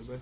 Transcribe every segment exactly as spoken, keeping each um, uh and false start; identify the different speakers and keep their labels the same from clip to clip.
Speaker 1: เลย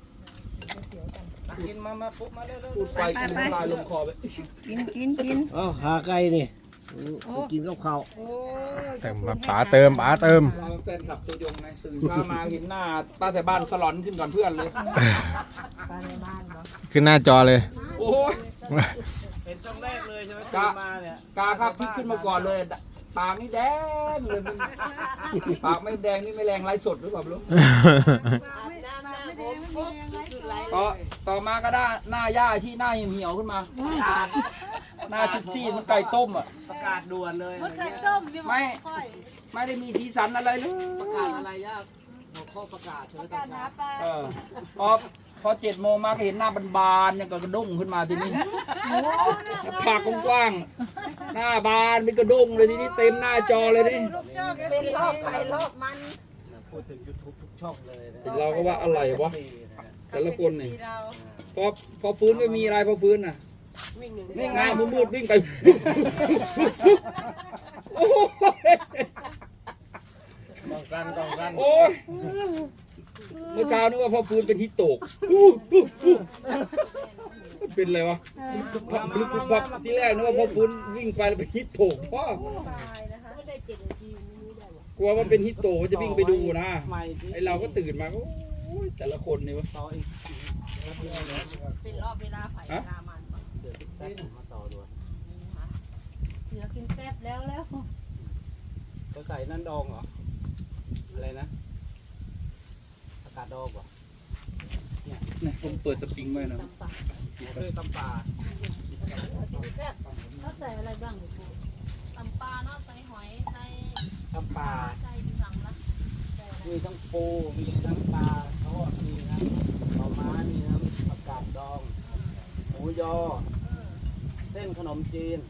Speaker 2: กินมามาปุ๊บมาเร็ว
Speaker 1: พูดไปกินน้ำลายลงคอไป
Speaker 3: กินกินกิน
Speaker 4: อ๋อขาไก่นี่ไปกินกับข้าว
Speaker 5: เติมมาป๋าเติมป๋าเติม
Speaker 1: เราแฟนคลับตัวยงไงตื่นเช้ามาเห็นหน้าป้าแต่บ้านสลอนขึ้นก่อนเพื่อนเลย
Speaker 3: ปลาในบ้านบ่
Speaker 5: ขึ้นหน้าจอเลย
Speaker 1: โอ้ย
Speaker 2: เห็นช่องแรกเลยใช่ไหม
Speaker 1: กะ
Speaker 2: มาเนี่ย
Speaker 1: กาครับพลิกขึ้นมาก่อนเลยปากนี่แดงเลยมันปากไม่แดงนี่ไม่แรงไร้สดหรือเปล่าไม่รู้
Speaker 3: ไม่น้ำน้ำไม่แดงไม่แดงไร
Speaker 1: ต่อต่อมาก็ได้หน้าย่าที่หน้าเหี่ยวขึ้นมา หน้าชิดซี่มันไก่ต้มอ่ะ
Speaker 2: ประกาศด่วนเลย
Speaker 3: มันเคยต้มดิ
Speaker 1: ไม่ไม่ได้มีสีสันอะไรเลย
Speaker 2: ประกาศอะไรยากหัวข้อประกาศใช่ไหมต
Speaker 3: กา
Speaker 2: อ
Speaker 3: ร
Speaker 2: น
Speaker 3: หา
Speaker 2: เช้า
Speaker 3: ปลา
Speaker 1: เออพอพอเจ็ดโมงมาก็เห็นหน้าบานๆเนี่ยก็กระด้งขึ้นมาทีนี้ปากกว้างๆหน้าบานเป็นกระด้งเลยทีนี้เต็มหน้าจอเลยนี่
Speaker 3: เป็นรอบไปรอบมัน
Speaker 2: พูดถึงยูทูบทุกช่องเลยนะ
Speaker 1: เห็นเราก็ว่าอะไรวะ
Speaker 2: นี่นะ
Speaker 1: แต่ละคนนี่พอพอฟื้นก็มีอะไรพอฟื้นน่ะนี่ไงมืดๆวิ่งไปโอ้ย
Speaker 4: ต้องสั้นต้องสั้น
Speaker 1: โอ้ยเมื่อเช้านึกว่าพอฟื้นเป็นฮิตโตกเป็นอะไรวะพับพลุบพับที่แรกนึกว่าพอฟื้นวิ่งไปแล้วเป็นฮิตโตกพ่อ
Speaker 3: ตายนะคะไม่ได้เจ็ดนาทีนี้ได้หรอก
Speaker 1: ลัวมันเป็นฮิตโตกจะวิ่งไปดูนะ
Speaker 2: ใหม่ที่
Speaker 1: ไอเราก็ตื่นมาก็โอ้ยแต่ละคนนี่วะ
Speaker 2: ต่ออีก
Speaker 3: เป็นรอบเวลาไผ่เวลามัน
Speaker 2: เดือดแซ่บมาต่อด้วย
Speaker 3: เสือกินแซ่บแล้วแล้ว
Speaker 2: จะใส่นั่นดองเหรออะไรนะประกาศดองเหรอ
Speaker 1: เนี่ยผมเปิดสปริงไว้นะ
Speaker 2: เพื่อตำปลา
Speaker 3: กินแซ่บเขาใส่อะไรบ้างตำปลาเนาะใส่หอยใส่
Speaker 2: ตำปลา
Speaker 3: ใส่สั่งละ
Speaker 2: มีทั้งปูมีทั้งปลาทอดมีทั้งหน่อไม้มีทั้งประกาศดองหมูยอเส้นขนมจีน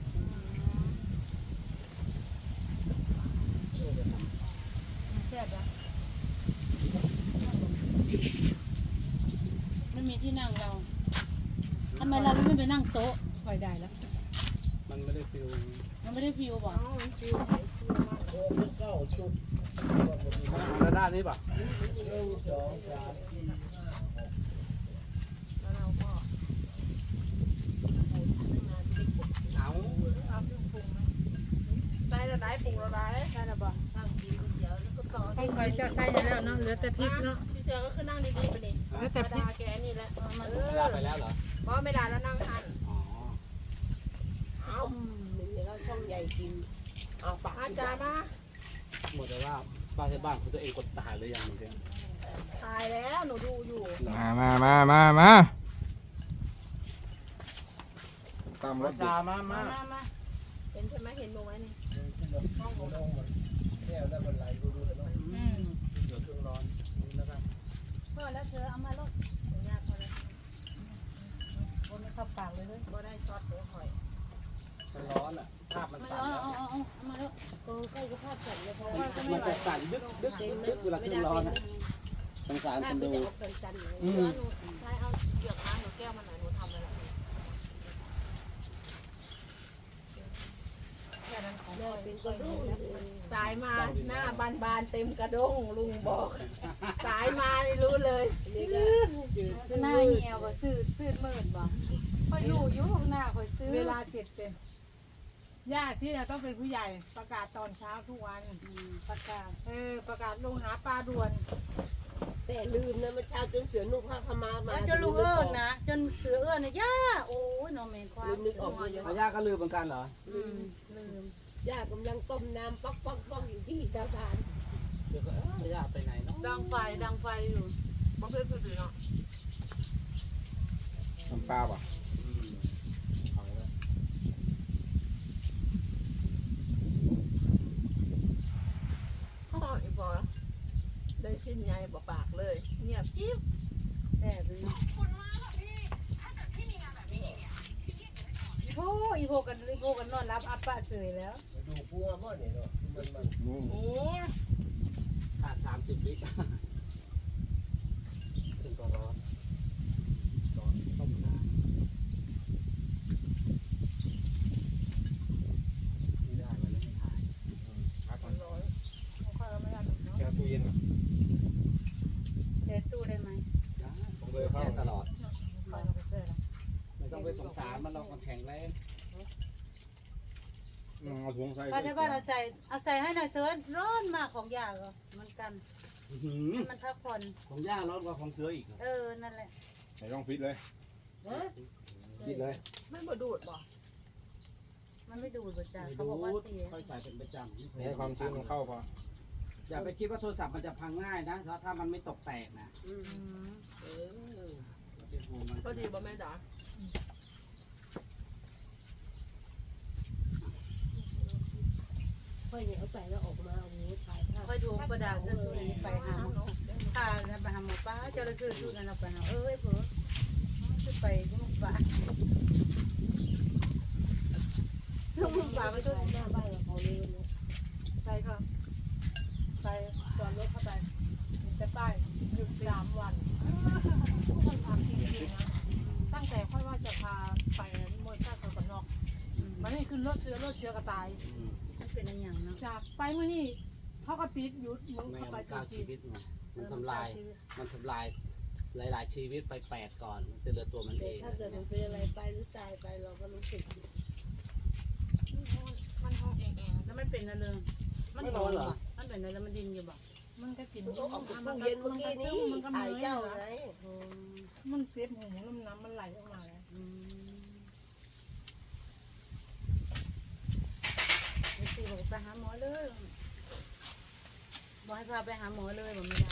Speaker 3: แซ่บอ่ะมันมีที่นั่งเราทำไมเราไม่ไปนั่งโต๊ะคอยได้แล้ว
Speaker 2: มันไม่ได้ฟิล
Speaker 3: มันไม่ได้ฟิวบอก
Speaker 4: เก้าชุด
Speaker 2: แล้วด้านนี้ป่ะ
Speaker 4: หนึ่งสองสามสี่
Speaker 3: แล้วเราก็
Speaker 2: เอา
Speaker 3: ใส่ระไดปรุงระไดใส่ระบอกตั้งกินก๋วยเตี๋ยวแล้วก็ต่อ
Speaker 6: ต้องคอยจะใส่แล้วเนาะเหลือแต่พริกเนาะ
Speaker 3: พี่เสือก็คือนั่งดีๆไปดิ
Speaker 6: เหลือแต่พริก
Speaker 3: แกนี่แหละมัน
Speaker 2: เวลาไปแล้วเหรอ
Speaker 3: เพราะไม่ได้แล้วนั่งทัน
Speaker 2: อ๋อ
Speaker 3: เอาหนึ่งแล้วช่องใหญ่กินเอาปากอาจารย์มา
Speaker 2: หมดแต่ว่าบ้านที่บ้านของตัวเองกดตายหรือยังเหมือนกัน
Speaker 3: ตายแล้วหนูดูอยู่
Speaker 5: มามามามามา
Speaker 4: ตามร
Speaker 2: มา
Speaker 4: ถ
Speaker 2: จามามา
Speaker 3: มามาเห็นใช่ไหมเห็นหนูไหมนี่
Speaker 4: แก้วได้บรรลัยดูดูเนาะ
Speaker 3: อืม
Speaker 2: เดี๋ยวเครื่องร้อนนี่แล้วกัน
Speaker 3: พ่อแล้วเธอเอามาลดยากพอแล้วบนไม่เข้าปากเลยเลยบ่ได้ช็อตเดี๋ยวคอย
Speaker 2: มันร้อนอ่ะภาพมัน
Speaker 3: เอา
Speaker 2: สั่น
Speaker 3: เอา
Speaker 2: แล้ว
Speaker 3: เอาเอาเอามาแล้วเออใกล้จะภาพสั่นเลยพอ
Speaker 2: มันจะสั่นดึกดึกดึกดึกเวลาเครื่องร้อนอ่ะสงสารคนดู
Speaker 3: จะออกสั่นๆเลยเสือหนูใช้เอาเกือกน้ำหนูแก้วมาหน่อยหนูทำเลยล่ะสายมาหน้าบานบานๆเต็มกระด้งลุงบอก สายมานี่รู้เลยหน้าเหี่ยวก็ซื้อซื้อหมื่นบ่ค่อยรู้อยู่หน้าค่อยซื้อ
Speaker 6: เวลาเจ็ดเป็นย่าที่เราต้องเป็นผู้ใหญ่ประกาศตอนเช้าทุกวัน
Speaker 3: ประกาศ
Speaker 6: เออประกาศลงหาปลาด่วน
Speaker 7: แต่ลืมนะเมื่อเช้าจนเสือนุ่งผ้าขาวม้ามา
Speaker 3: จนลูกเอิญนะจนเสือเอิญนะย่าโอ้ยน้องเมนความ
Speaker 7: ลืมนึกออกเลย
Speaker 2: พญาก็ลืมเหมือนกันเหรอ
Speaker 3: ลืมลืม
Speaker 7: ย่ากำลังต้มน้ำป๊อกป๊อกป๊อกอยู่ที่กระทาน
Speaker 2: เดี๋ยวก็เอ้ยพญาไปไหนเนาะ
Speaker 3: ดังไฟดังไฟอยู่บ่เคยคือเนาะ
Speaker 5: น้ำปลาป่ะ
Speaker 2: อืมเอาแล้ว
Speaker 3: พ่ออีกบ่ได้สิ้นใหญ่บ่ปากเลยเงียบจิ๊บแซ่บเลยโอ้อีโพกันอีโพกันนอนรับอัปปะเฉยแล้ว
Speaker 4: ดูพัวบ่เนี่ยเนาะมันมัน
Speaker 3: โอ้ย
Speaker 2: ขาดสามสิบวิขึ้นก็ร้อนร้อนต้มน้ำไม่ได้มันไม่ถ่าย
Speaker 3: ร้อยค่อยเอาไม่ได้เนาะ
Speaker 5: แช่ตู้เย็นป่ะ
Speaker 3: เทตู้ได้ไหม
Speaker 2: ได้
Speaker 5: เคยเข้า
Speaker 2: แช่ตลอด
Speaker 6: ไปเราไปเชื่อนะ
Speaker 2: ไม่ต้องไปสงสารมันหรอกมันแข็งแรง
Speaker 5: อืมเอาถุงใส่
Speaker 3: บ้านในบ้านเอาใส่เอาใส่ให้หน่อยเชิญร้อนมากของยาก็เหมือนกัน
Speaker 2: อื้อหือ
Speaker 3: ให้มันพักผ่อน
Speaker 2: ของย่าร้อนกว่าของเสืออีกเหรอ
Speaker 3: เออนั่นแหละ
Speaker 5: ใส่ร่องฟิตเลย
Speaker 2: คิดเลย
Speaker 7: ไม่มาดูดบ่
Speaker 3: มันไม่ดูดบ่จ้า
Speaker 2: ไม่
Speaker 3: เขา
Speaker 2: ดู
Speaker 3: บอกว่า
Speaker 2: ด
Speaker 3: เสีย
Speaker 2: ค่อยใส่เป็นประจำ
Speaker 5: ให้ความชื้นมันเข้าพอ
Speaker 2: อย่าไปคิดว่าโทรศัพท์มันจะพังง่ายนะถ้ามันไม่ตกแตกนะ
Speaker 7: อืม
Speaker 3: อืม
Speaker 7: เออ
Speaker 2: อย่าไปห่วงมัน
Speaker 7: พอดีบ่แม่จ๋าค่อยเนี่ยเอาใส่แล้วออกมาโอ้โหถ่ายภาพ
Speaker 3: ค่อยดูประดาเสื้อสุรีไปหาหมอค่ะแล้วไปหาหมอป้าเจ้าละซื้อชุดนั้นเราไปหาเอ้ยเผื่อจะไปก็มาป้าลูกมึงป้าไปช่วย
Speaker 7: หน้าบ้านกับเขาเลยเนี่ย
Speaker 6: ไปค่ะไปจอดรถเข้าไปจะป้ายหยุดสามวันต้องทำจริงๆนะตั้งแต่ค่อยว่าจะพาไปมวยท่าตะวันนอกมันนี่ขึ้นรถเชื้อรถเชื้อกระต่าย
Speaker 2: อืม
Speaker 3: มันเป็นอะไรอย่างเนาะ
Speaker 6: จากไปเมื่อนี่เขาก็ปิดหยุดมึง
Speaker 2: แม
Speaker 6: เข้าว ไป
Speaker 2: มัน
Speaker 6: จ
Speaker 2: ฆ่า
Speaker 6: ริ
Speaker 2: ชี
Speaker 6: ง
Speaker 2: วิตไง
Speaker 6: ๆ
Speaker 2: มันทำลาย มันทำลายหลาย ๆ ชีวิตไปแปดก่อน มันจะเหลือตัวมันเอง
Speaker 7: ถ้าเกิดมันเป็นอะไรไปหรือตายไปเราก็รู้สึก
Speaker 6: มันห้องเองเอง
Speaker 3: แล้วไม่เป็นอะไรเลยมันหอนเหรอมันเป็นอะไรมันดินอยู่บ่
Speaker 6: มันก็กิน
Speaker 7: เอาออกจากตู้เย็นเมื่อกี้นี้
Speaker 6: มันก็
Speaker 7: ถ่าย
Speaker 6: เมื่อย
Speaker 7: เจ้า
Speaker 6: นะ
Speaker 7: ไง
Speaker 6: มันเสียบหูน้ำน้ำมันไหลออกมาแล้ว
Speaker 3: อืมไอ้ตีบอกไปหาหมอเลยบอกให้พาไปหาหมอเลยบอกไม่ได้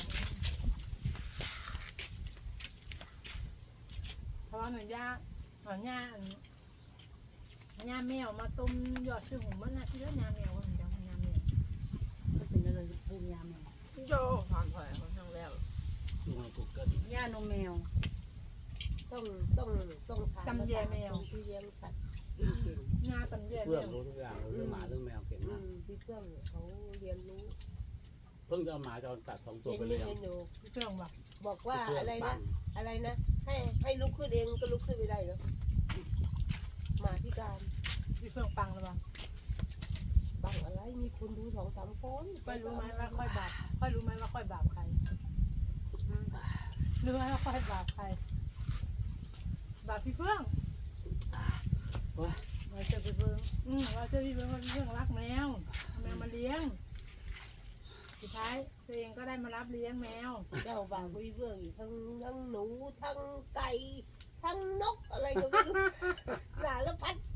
Speaker 6: เพราะว่าหนูย่าหนูย่าย่าแมวมาต้มยอดชื่อหูมันนะที่แล้วย่าแมวมันจะย่าแมว
Speaker 3: มันเป็นอะไรปูยาแมว
Speaker 7: โยผ่านไปค่อนข้างแล้ว
Speaker 2: ดูในกูเกิล
Speaker 3: ยานมแมว
Speaker 7: ต้องต้องต้องทานที่เลี้ยงสัตว์จริง
Speaker 6: ย่าตำแย่
Speaker 2: เพื่
Speaker 6: แม
Speaker 2: อน
Speaker 6: ว
Speaker 2: รู้ทุกอย่างรู้เรื่องหมาเรื่องแมวเก่ง
Speaker 7: ๆอื
Speaker 2: มาก
Speaker 7: มพี่เพื่อนเขาเรียนรู้
Speaker 2: เพิ่งจะเอาหมาจรจัดสองตัว
Speaker 7: เห็น
Speaker 2: ไป
Speaker 7: นี่
Speaker 2: เลี้ยง
Speaker 7: เห็นหนู
Speaker 6: เชื่องแบบ
Speaker 7: บอกว่าอะไรนะอะไรนะให้ให้ลุกขึ้นเองก็ลุกขึ้นไม่ได้แล้วหมาพิการ
Speaker 6: พี่เชื่องปังหรือเปล่า
Speaker 7: บังอะไรมีคนดูสองสามคน
Speaker 6: ค่อยรู้ไหมว่าค่อยบาปค่อยรู้ไหมว่าค่อยบาปใครรู้ไหมว่าค่อยบาปใครบาปพี่เฟื่อง
Speaker 3: เราจะไปเบิ่ง
Speaker 6: อืมว่าเจ้าพี่เฟื่องว่าพี่เฟื่องรักแมวเอาแมวมาเลี้ยงสุดท้ายตัวเองก็ได้มารับเลี้ยงแมว
Speaker 7: เจ้าบ่าวคุยเฟื่องอีกทั้งทั้งหนูทั้งไก่ทั้งนกอะไรก็ไม่รู้สารพัด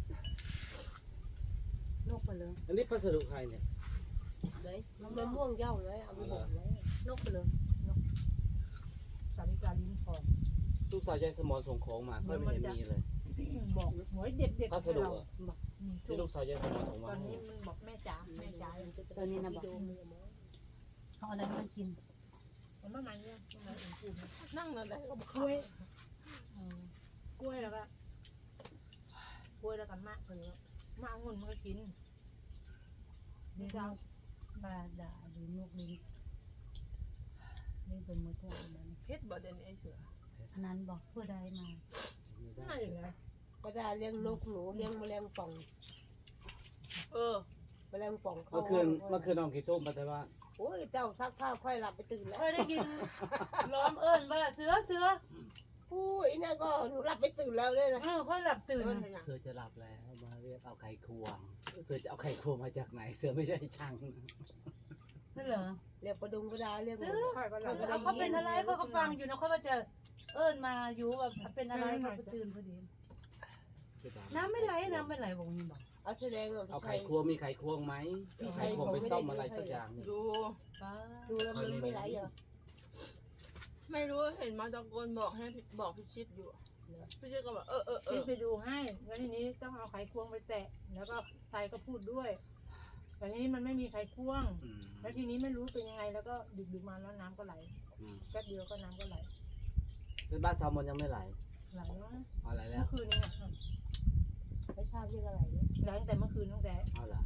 Speaker 3: นกไปเลย
Speaker 2: อันนี้พัสดุใครเนี่ย
Speaker 7: เลยมันม่วงเย้าเลยเอาไปบอกไว้
Speaker 3: นกไปเลย
Speaker 6: สาริกาลิ้นทอง
Speaker 2: ตู้สายใยสมอนส่งของมาค่อยไม่เห็นมีเลย
Speaker 6: บอกหวยเด็ดเด็ด
Speaker 2: พัสดุอะ
Speaker 6: บอกมี
Speaker 2: ที่
Speaker 6: สู
Speaker 2: ลู
Speaker 6: ต
Speaker 2: ก
Speaker 6: ร
Speaker 2: สายใยสมอนส่ง
Speaker 6: ต
Speaker 2: มา
Speaker 6: อนนี้มันบอกแม่จ๋าแม่จ๋า
Speaker 3: ตัวนี้นะบอกเขาอะไรมากิน
Speaker 6: มันประมาณเนี้ยประมาณอุ่นปูน
Speaker 7: นั่งนั่นแหละก็บอก
Speaker 6: กล้วยกล้วยแล้วก็กล้วยแล้วกันมะเลยมะองุ่นมันก็กิน
Speaker 3: นี่ก็บาดาหรือนกลิ้นนี่เป็นมือตัวนั้น
Speaker 7: เพชรบ่เด่นไอ้เสือ
Speaker 3: อันนั้นบอกเพื่อได้มา
Speaker 6: น่าอย่างไร
Speaker 7: ก็ได้เลี้ยงนกหนูเลี้ยงแมลงป่อง เออแมลงป่องเขา
Speaker 2: เมื่อคืนเมื่อคืนนอนกี่ทุ่มไปแต่ว่า
Speaker 7: โอ้ยเจ้าซักผ้าค่อยหลับไปตื่นแล้ว
Speaker 3: เคยได้ยินล้อมเอิญว่าเสือเสือ
Speaker 7: อุ้ยนี่ก็หนูหลับไปตื่นแล้วเลยนะ
Speaker 3: เออค่อยหลับตื่น
Speaker 2: เสือจะหลับแล้วมาเรียกเอาไข่ควงเสือจะเอาไข่ควงมาจากไหน เสือไม่ใช่ช่าง
Speaker 3: นั่นเหรอ
Speaker 7: เรียกประดุงก็ได้เรียกหม
Speaker 3: ซื้
Speaker 7: ด
Speaker 3: อ
Speaker 6: ค่อยก็เรา
Speaker 3: เอาเขาเป็นอะไรเขาก็ฟังอยู่นะเขาว่าจะเอิญมาอยู่แบบเป็นอะไรเขาก็ตื่นพอดีน้ำไม่ไหลน้ำไม่ไหลบอกนี่บอก
Speaker 7: เอาแสดงว่า
Speaker 2: เอาไข่ควงมีไข่ควงไหมเอาไข่ควงไปซ่อมอะไรสักอย่างเนี่ย
Speaker 7: ดู
Speaker 3: ป้า
Speaker 7: ดูแล้วมันไม่ไหลเหรอ
Speaker 8: ไม่รู้เห็นมาตะโกนบอกให้พี่บอกพี่ชิดอยู่พี่ชิดก็บอกเออเออเอ
Speaker 6: พี่
Speaker 8: อ
Speaker 6: ไปดูให้แล้วทีนี้ต้องเอาไขควงไปแตะ แล้วก็ใส่ก็พูดด้วย แต่ทีนี้มันไม่มีไขควง
Speaker 2: อืม
Speaker 6: แล้วทีนี้ไม่รู้เป็นยังไง แล้วก็ดึกดึกๆมาแล้วน้ำก็ไหล
Speaker 2: อืม
Speaker 6: แป๊บเดียวก็น้ำก็ไหล
Speaker 2: คือบ้านแซลมอนยังไม่ไหล
Speaker 6: ไหลแล้วนะ
Speaker 2: เอาไหลแล้
Speaker 6: เมื่
Speaker 2: ว
Speaker 6: อคืนนี้อ่ะ
Speaker 7: ไม่ทราบเรียกอะไรเนี่ย
Speaker 6: ไหลตั้งแต่เมื่อคืนตั้งแต่
Speaker 2: เอาละ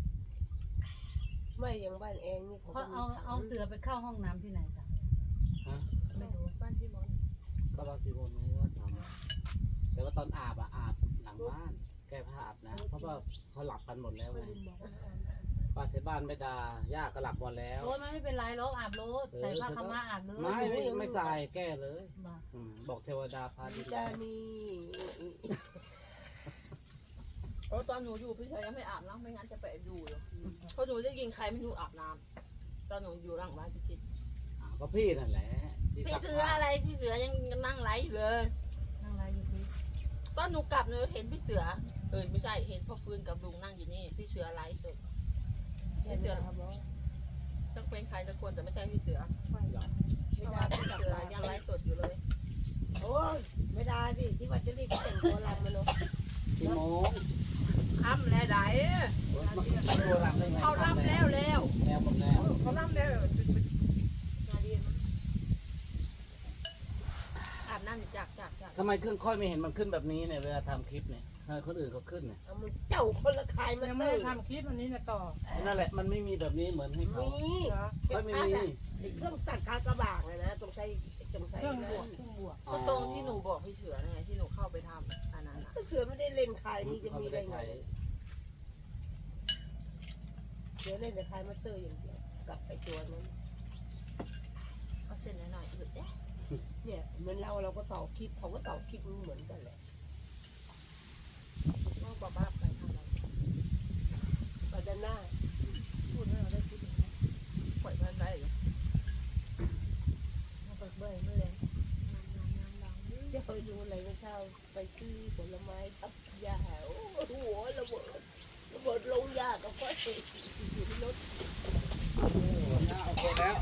Speaker 7: ไม่อย่างบ้านเองนี่เขา
Speaker 3: เขาเอาเอาเสือไปเข้าห้องน้ำที่ไหนจ้ะ
Speaker 2: ฮะ
Speaker 8: ไม่รู้บ้านพี่มอน
Speaker 2: ก็เราที่บนไว้ก็ทำแต่ว่าตอนอาบอะอาบหลังบ้าน แก้ผ้าอาบนะเพราะว่าเขาหลับกันหมดแล้วไง
Speaker 6: บอกว่า
Speaker 2: ไปป้าที่บ้านไม่ด่าย่าก็หลับหมดแล้ว
Speaker 6: โอ้ยไม่เป็นไรหรอกอาบรถใส่ผ้าขาวม้าอาบเลย
Speaker 2: ไม่ไม่ไม่ใส่แก้เลย
Speaker 6: มา
Speaker 2: อืมบอกเทวดาพาดี
Speaker 7: จานี่
Speaker 8: เออตอนหนูอยู่พี่ชายยังไม่อาบน้ำไม่งั้นจะไปอยู่อยู่เพราะหนูได้ยินใครไม่รู้อาบน้ำตอนหนูอยู่หลังบ้านพี่ชิด
Speaker 2: อ่าก็พี่นั่นแหละที่
Speaker 8: พี่
Speaker 2: ซัก
Speaker 8: เสืออะไรพี่เสือยังนั่งไลฟ์อยู่เลย
Speaker 6: นั่งไรอยู่พี่
Speaker 8: ตอนหนูกลับหนูเห็นพี่เสือเออไม่ใช่เห็นพ่อฟื้นกับลุงนั่งอยู่นี่พี่เสือไลฟ์สด
Speaker 6: พี่เสือครับบอส
Speaker 8: ต้องเป็นใครสักคนแต่ไม่ใช่พี่เสือ
Speaker 6: ไม่หรอก
Speaker 8: เพราะว่าพี่เสือยังไลฟ์สดอยู่เลย
Speaker 7: โอ้ยไม่ได้ดิที่ว่าจะรีบไปแต่งตัวรำมาเนาะ
Speaker 2: กี่โมง
Speaker 8: ค่ำแล้วไหน
Speaker 2: โอ๊ยมันมันโทรรับได้ไง
Speaker 8: เขาล่ำแล้วแล้ว
Speaker 2: แล้วหมดแล้ว
Speaker 8: เขาล่ำแล้วนาดีมั้งอาบน้ำอยู่จากจากจาก
Speaker 2: ทำไมเครื่องค่อยไม่เห็นมันขึ้นแบบนี้เนี่ยเวลาทำคลิปเนี่ยทำไมคนอื่นเขาขึ้นเนี่ย
Speaker 7: เอามันเจ้าคนละคายมา
Speaker 6: ยังไม่
Speaker 7: เติ
Speaker 6: ได้
Speaker 7: ม
Speaker 6: ทำคลิปอันนี้นะต่อ
Speaker 2: นั่นแหละมันไม่มีแบบนี้เหมือนให้เขา
Speaker 7: มี
Speaker 6: เหรอ
Speaker 2: ค่อยไม่มี
Speaker 7: ไอ้เครื่องตัดคากระบากเลยนะตรงใช้ตรงใช้
Speaker 6: เครื่องบวกเครื่องบวก
Speaker 8: ก็ตรงที่หนูบอกพี่เสือไงที่หนูเข้าไปทำอันนั้นอ่ะ
Speaker 7: ก็เสือไม่ได้เล่นคายนี่จะ
Speaker 2: เขา
Speaker 7: มี
Speaker 2: ไม่
Speaker 7: ได้
Speaker 2: ได้
Speaker 7: ไง
Speaker 2: ใช้
Speaker 7: เสือเล่นแต่คายมาเตอร์อย่างเดียวกลับไปตัวนั้น
Speaker 8: เอาเส้นหน่อยๆอึดเอ๊ะ
Speaker 7: เนี่ยเหมือนเราเราก็ต่อคลิปเขาก็ต่อคลิปเหมือนกันแหละ
Speaker 8: ว่าบ้าบ้าไปทำอะไร
Speaker 7: ปัจจหน้า
Speaker 6: พูดให้เราได้คิดอย่างนี้
Speaker 8: ปล่อยมันได้เหรอ
Speaker 6: มาเปิดเบยเมื่อไร
Speaker 7: จะไปดูอะไรนะเช้าไปซื้อผลไม้ทับยาโอ้โหระเบิดระเบิดลงยากับพ่อเอกอยู่ที่รถ
Speaker 2: เอาหมดแล้ว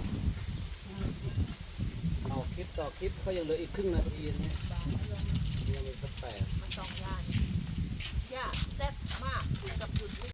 Speaker 2: เอาคลิปต่อคลิปเขายังเหลืออีกครึ่งนาทีเนี่ยยังมีสักแปด
Speaker 8: มันสองย่านย่าแซ่บมากกับหยุด